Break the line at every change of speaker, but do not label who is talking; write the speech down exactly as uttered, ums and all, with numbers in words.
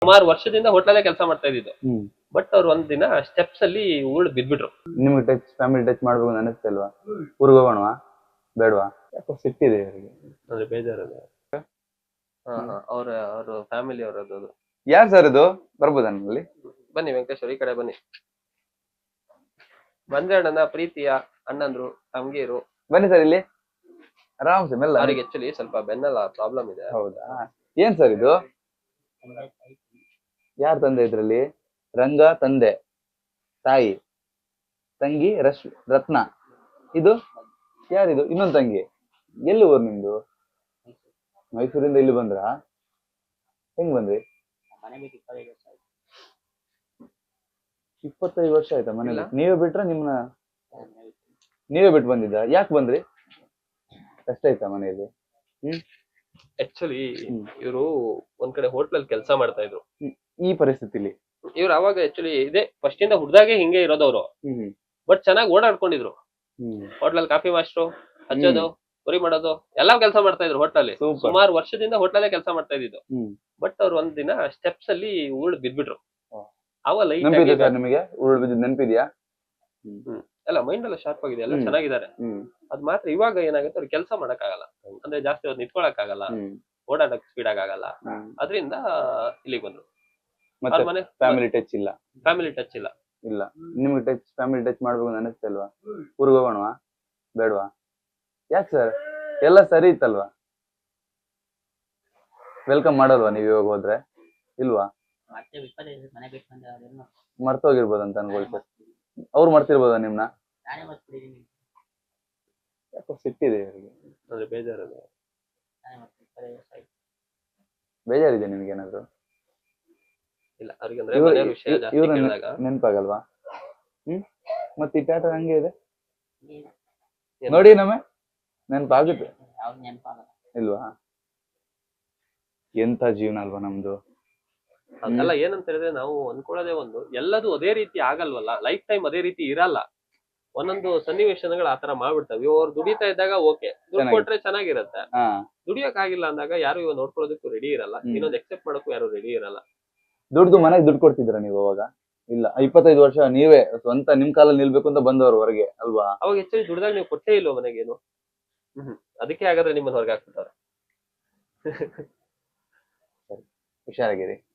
ಸುಮಾರು ವರ್ಷದಿಂದ ಹೋಟ್ಲಲ್ಲೇ ಕೆಲಸ ಮಾಡ್ತಾ ಇದ್ದಿದ್ದು.
ಹ್ಮ್
ಬಟ್ ಅವ್ರು ಒಂದ್ ದಿನ ಸ್ಟೆಪ್ಸ್ ಅಲ್ಲಿ ಉರುಳು ಬಿದ್ಬಿಟ್ರು.
ನಿಮ್ಗೆ ಟಚ್ ಫ್ಯಾಮಿಲಿ ಟಚ್ ಮಾಡ್ಬೇಕು ಅಂತ ಅನಿಸ್ತಲ್ವಾ? ಊರಿಗೆ ಹೋಗೋಣವಾ ಬೇಡವಾ? ಯಾಕೋ ಸಿಟ್ಟಿದೆ ಇವರಿಗೆ.
ಅಂದ್ರೆ ಬೇಜಾರದ. ಹಾ ಹಾ ಅವ್ರ ಅವ್ರ ಫ್ಯಾಮಿಲಿ ಅವರದ್ದು ಅದು.
ಯಾರು ಸರ್ ಇದು? ಬರ್ಬೋದಾ ನನ್ನಲ್ಲಿ?
ಬನ್ನಿ ವೆಂಕಟೇಶ್ವರ, ಈ ಕಡೆ ಬನ್ನಿ. ಬಂದ್ರೆ ಅಣ್ಣನ ಪ್ರೀತಿಯ ಅಣ್ಣಂದ್ರು ತಂಗೀರು.
ಬನ್ನಿ ಸರ್ ಇಲ್ಲಿ ಆರಾಮ್ಸೆ ಮೆಲ್ಲ.
ಅವ್ರಿಗೆ ಆಕ್ಚುಲಿ ಸ್ವಲ್ಪ ಬೆನ್ನಲ್ಲ ಪ್ರಾಬ್ಲಮ್ ಇದೆ.
ಹೌದಾ? ಏನ್ ಸರ್ ಇದು? ಯಾರು ತಂದೆ ಇದ್ರಲ್ಲಿ? ರಂಗ ತಂದೆ, ತಾಯಿ, ತಂಗಿ ರಶ್ ರತ್ನ. ಇದು ಯಾರಿದು? ಇನ್ನೊಂದು ತಂಗಿ. ಎಲ್ಲಿ ಊರು ನಿಮ್ದು? ಮೈಸೂರಿಂದ ಇಲ್ಲಿ ಬಂದ್ರ? ಹೆಂಗ್ ಬಂದ್ರಿ? ಇಪ್ಪತ್ತೈದು ವರ್ಷ ಆಯ್ತಾ ಮನೇಲಿ? ನೀವೇ ಬಿಟ್ರ ನಿಮ್ನ ನೀವೇ ಬಿಟ್ಟು ಬಂದಿದ್ದ? ಯಾಕೆ ಬಂದ್ರಿ? ಕಷ್ಟ ಆಯ್ತಾ ಮನೆಯಲ್ಲಿ? ಹ್ಮ್
ಆಕ್ಚುಲಿ ಇವರು ಒಂದ್ ಕಡೆ ಹೋಟ್ಲಲ್ಲಿ ಕೆಲಸ ಮಾಡ್ತಾ ಇದ್ರು.
ಈ ಪರಿಸ್ಥಿತಿಲಿ
ಇವ್ರು ಅವಾಗ ಆಕ್ಚುಲಿ ಇದೆ ಫಸ್ಟ್ ಇಂದ ಹುಡ್ದಾಗೆ ಹಿಂಗೆ ಇರೋದವ್ರು. ಬಟ್ ಚೆನ್ನಾಗಿ ಓಡಾಡ್ಕೊಂಡಿದ್ರು. ಹೋಟ್ಲಲ್ಲಿ ಕಾಫಿ ಮಾಸ್ಟ್ರು, ಹಚ್ಚೋದು, ಪುರಿ ಮಾಡೋದು ಎಲ್ಲಾ ಕೆಲಸ ಮಾಡ್ತಾ ಇದ್ರು ಹೋಟ್ಲಲ್ಲಿ. ಸುಮಾರು ವರ್ಷದಿಂದ ಹೋಟ್ಲಲ್ಲೇ ಕೆಲಸ ಮಾಡ್ತಾ ಇದ್ದಿದ್ದು. ಬಟ್ ಅವ್ರು ಒಂದ್ ದಿನ ಸ್ಟೆಪ್ಸ್ ಅಲ್ಲಿ ಉರುಳು ಬಿದ್ಬಿಟ್ರು. ಅವ ಲೈಟ್
ನಿಮಗೆ ಉರುಳು ಬಿದ್ದಿದ್ ನೆನಪಿದ್ಯಾ?
ಎಲ್ಲ ಮೈಂಡ್ ಎಲ್ಲ ಶಾರ್ಪ್ ಆಗಿದೆ, ಎಲ್ಲ ಚೆನ್ನಾಗಿದ್ದಾರೆ. ಅದ್ ಮಾತ್ರ ಇವಾಗ ಏನಾಗುತ್ತೆ ಅವ್ರಿಗೆ ಕೆಲಸ ಮಾಡಕ್ ಆಗಲ್ಲ. ಅಂದ್ರೆ ಜಾಸ್ತಿ ಹೊತ್ತು ನಿಂತ್ಕೊಳಕ್ ಆಗಲ್ಲ, ಓಡಾಡಕ್ ಸ್ಪೀಡ್ ಆಗಲ್ಲ. ಅದರಿಂದ ಇಲ್ಲಿಗೆ ಬಂದ್ರು.
ಮತ್ತೆ ಫ್ಯಾಮಿಲಿ ಟಚ್ ಇಲ್ಲ?
ಫ್ಯಾಮಿಲಿ ಟಚ್ ಇಲ್ಲ.
ಇಲ್ಲ. ನಿಮ್ಗೆ ಟಚ್ ಫ್ಯಾಮಿಲಿ ಟಚ್ ಮಾಡ್ಬೇಕು ಅಂತ ಅನಿಸ್ತಲ್ವಾ? ಊರಿಗೆ ಹೋಗೋಣವಾ ಬೇಡವಾ? ಯಾಕೆ ಸರ್? ಎಲ್ಲ ಸರಿ ಇತ್ತಲ್ವಾ? ವೆಲ್ಕಮ್ ಮಾಡಲ್ವಾ ನೀವು ಇವಾಗ ಹೋದ್ರೆ? ಇಲ್ವಾ? ಮರ್ತೋಗಿರ್ಬೋದಂತ ಅನ್ಕೊಳ್ಳಿ ಸರ್. ಅವ್ರು ಮರ್ತಿರ್ಬೋದ ನಿಮ್ನ? ಯಾಕೋ ಸಿಟ್ಟಿದೆ ಇವರಿಗೆ.
ಅಂದ್ರೆ ಬೇಜಾರದ.
ಬೇಜಾರಿದೆ ನಿಮ್ಗೆ ಏನಾದ್ರು?
ಇಲ್ಲ ಅವ್ರಿಗೆ ಅಂದ್ರೆ ಮನೆ ವಿಷಯ ಜಾಸ್ತಿ ಕೇಳಿದಾಗ
ನೆನಪಾಗಲ್ವಾ? ಹ್ಮ್ ಮತ್ತೆ ಈ ಟಾಟ ಹಂಗೆ ಇದೆ ನೋಡಿ, ನಮ್ಮೆ ನೆನಪಾಗುತ್ತೆ ಇಲ್ವಾ? ಎಂತ ಜೀವನ ಅಲ್ವಾ ನಮ್ದು.
ಅದೆಲ್ಲ ಏನಂತ ಹೇಳಿದ್ರೆ ನಾವು ಅನ್ಕೊಳ್ಳೋದೇ ಒಂದು, ಎಲ್ಲದೂ ಅದೇ ರೀತಿ ಆಗಲ್ವಲ್ಲ, ಲೈಫ್ ಟೈಮ್ ಅದೇ ರೀತಿ ಇರಲ್ಲ. ಒಂದೊಂದು ಸನ್ನಿವೇಶನಗಳು ಆತರ ಮಾಡ್ಬಿಡ್ತಾವೆ. ಅವ್ರು ದುಡಿತಾ ಇದ್ದಾಗ ಓಕೆ, ದುಡ್ಡು ಕೊಟ್ರೆ ಚೆನ್ನಾಗಿರತ್ತೆ. ದುಡಿಯಕ್ ಆಗಿಲ್ಲ ಅಂದಾಗ ಯಾರು ಇವಾಗ ನೋಡ್ಕೊಳ್ಳೋದಕ್ಕೂ ರೆಡಿ ಇರಲ್ಲ, ಇನ್ನೊಂದು ಎಕ್ಸೆಪ್ಟ್ ಮಾಡೋಕ್ಕೂ ಯಾರು ರೆಡಿ ಇರಲ್ಲ.
ದುಡ್ದು ಮನೆಗೆ ದುಡ್ಡು ಕೊಡ್ತಿದ್ರ ನೀವು ಅವಾಗ? ಇಲ್ಲ, ಇಪ್ಪತ್ತೈದು ವರ್ಷ ನೀವೇ ಸ್ವಂತ ನಿಮ್ ಕಾಲಲ್ಲಿ ನಿಲ್ಬೇಕು ಅಂತ ಬಂದವರು ಹೊರಗೆ ಅಲ್ವಾ?
ಅವಾಗ ಹೆಚ್ಚಾಗಿ ದುಡ್ದಾಗ ನೀವು ಕೊಟ್ಟೇ ಇಲ್ವ ಮನೆಗೇನು? ಹ್ಮ್ ಅದಕ್ಕೆ ಹಾಗಾದ್ರೆ ನಿಮ್ಮನ್ನ ಹೊರಗೆ ಹಾಕ್ಬಿಟ್ಟಾರೆ.
ಹುಷಾರಾಗಿರಿ.